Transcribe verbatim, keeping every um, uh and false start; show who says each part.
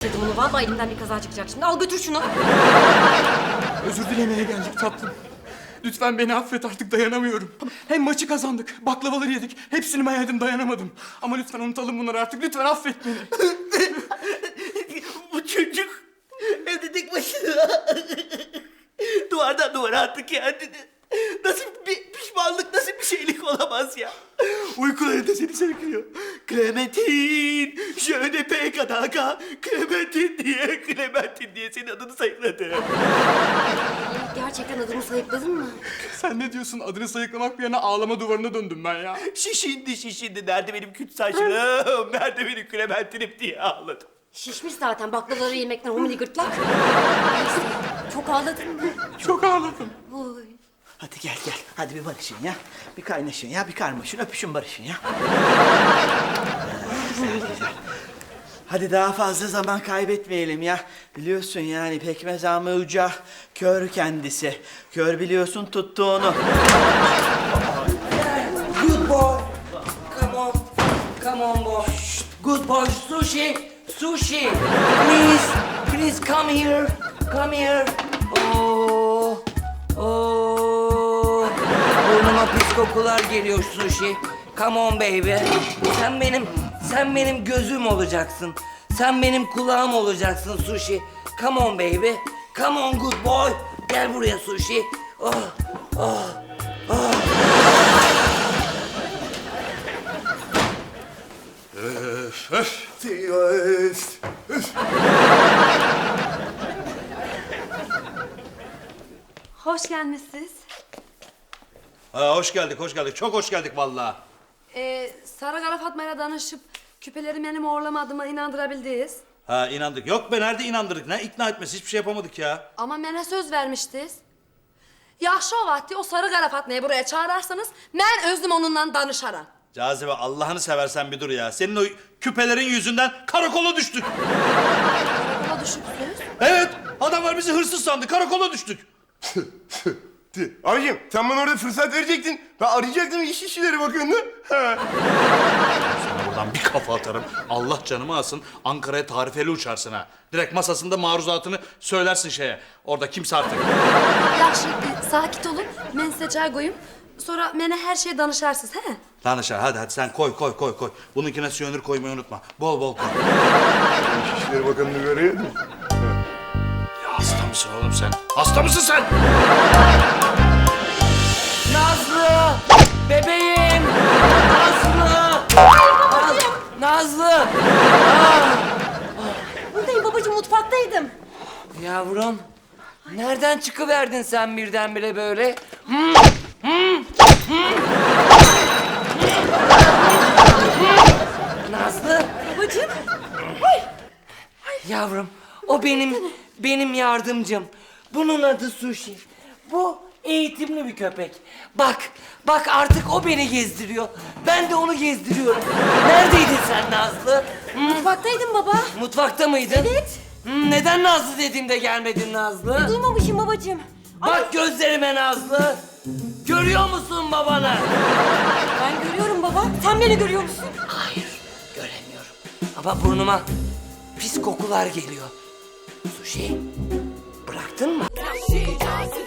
Speaker 1: Dedim onu, vallahi elimden bir kaza çıkacak şimdi. Al götür şunu.
Speaker 2: Özür dilemeye geldik tatlım. Lütfen beni affet, artık dayanamıyorum. Hem maçı kazandık, baklavaları yedik. Hepsini ben yedim, dayanamadım. Ama lütfen unutalım bunları artık. Lütfen affet beni.
Speaker 3: Bu çocuk evde tek başına duvardan duvara attı kendini. Nasıl bir pişmanlık, nasıl bir şeylik olamaz ya. Uykularında seni sevkiliyor. Clementine, je ne peux kadaka, Clementine diye, Clementine diye senin adını sayıkladı.
Speaker 1: Gerçekten adımı sayıkladın mı?
Speaker 2: Sen ne diyorsun? Adını sayıklamak bir yana ağlama duvarına döndüm ben ya.
Speaker 3: Şişindi şişindi, nerede benim küt saçlım, nerede benim Clementine'im diye ağladım.
Speaker 1: Şişmiş zaten baklavaları yemekten homini gırtlak. Neyse, çok ağladın mı?
Speaker 2: Çok ağladım.
Speaker 1: Oy.
Speaker 3: Hadi gel gel, hadi bir barışın ya. Bir kaynaşın ya, bir karmaşın, öpüşün barışın ya. Güzel güzel. Hadi daha fazla zaman kaybetmeyelim ya. Biliyorsun yani pekmez amı uca, kör kendisi. Kör biliyorsun tuttuğunu.
Speaker 4: Good boy. Come on. Come on, boy. Good boy. Sushi. Sushi. Please. Please come here. Come here. Oh. Oh. Burnuma pis kokular geliyor Sushi. Come on baby. Sen benim, sen benim gözüm olacaksın. Sen benim kulağım olacaksın Sushi. Come on baby. Come on good boy. Gel buraya Sushi. Oh. Oh. Oh.
Speaker 5: Hoş gelmişsiniz.
Speaker 6: Ha, hoş geldik, hoş geldik. Çok hoş geldik vallahi.
Speaker 5: Ee, Sarı Kara Fatma'yla danışıp küpeleri benim uğurlamadığıma inandırabildiniz.
Speaker 6: Ha, inandık. Yok be, nerede inandırdık? Ne ikna etmesi? Hiçbir şey yapamadık ya.
Speaker 5: Ama bana söz vermiştiniz. Yaxşı o vakti o Sarı Kara Fatma'yı buraya çağırarsanız ben özüm onunla danışaram.
Speaker 6: Cazibe, Allah'ını seversen bir dur ya. Senin o küpelerin yüzünden karakola düştük.
Speaker 5: Karakola düşüpsünüz.
Speaker 6: Evet, adamlar bizi hırsız sandı. Karakola düştük.
Speaker 2: Abicim sen bana orada fırsat verecektin. Ben arayacaktım iş işçileri bakıyordu.
Speaker 6: Sana buradan bir kafa atarım. Allah canımı alsın. Ankara'ya tarifeli uçarsın ha. Direkt masasında maruzatını söylersin şeye. Orada kimse artık.
Speaker 5: Yaxşı, e, sakit olun. Ben size çay koyayım. Sonra bana her şeye danışarsınız, he?
Speaker 6: Lan aşağı, hadi hadi sen koy koy koy koy. Bununkine siyonür koymayı unutma. Bol bol koy.
Speaker 2: İş işçileri bakanını görüyor musun?
Speaker 6: Ya hasta mısın oğlum sen? Hasta mısın sen?
Speaker 4: Nazlı! Bebeğim! Nazlı! Naz- Nazlı! Ah!
Speaker 1: Buradayım babacığım, mutfaktaydım.
Speaker 4: Yavrum, nereden çıkıverdin sen birdenbire böyle? Nazlı!
Speaker 1: Babacığım.
Speaker 4: Yavrum, o benim, benim yardımcım. Bunun adı Sushi. Bu eğitimli bir köpek. Bak, bak artık o beni gezdiriyor. Ben de onu gezdiriyorum. Neredeydin sen Nazlı? Hı?
Speaker 1: Mutfaktaydım baba.
Speaker 4: Mutfakta mıydın?
Speaker 1: Evet.
Speaker 4: Hı, neden Nazlı dediğimde gelmedin Nazlı?
Speaker 1: Duymamışım babacığım.
Speaker 4: Bak gözlerime Nazlı. Görüyor musun babanı?
Speaker 1: Ben görüyorum baba. Sen beni görüyor musun?
Speaker 4: Hayır, göremiyorum. Ama burnuma pis kokular geliyor. Sushi, bıraktın mı?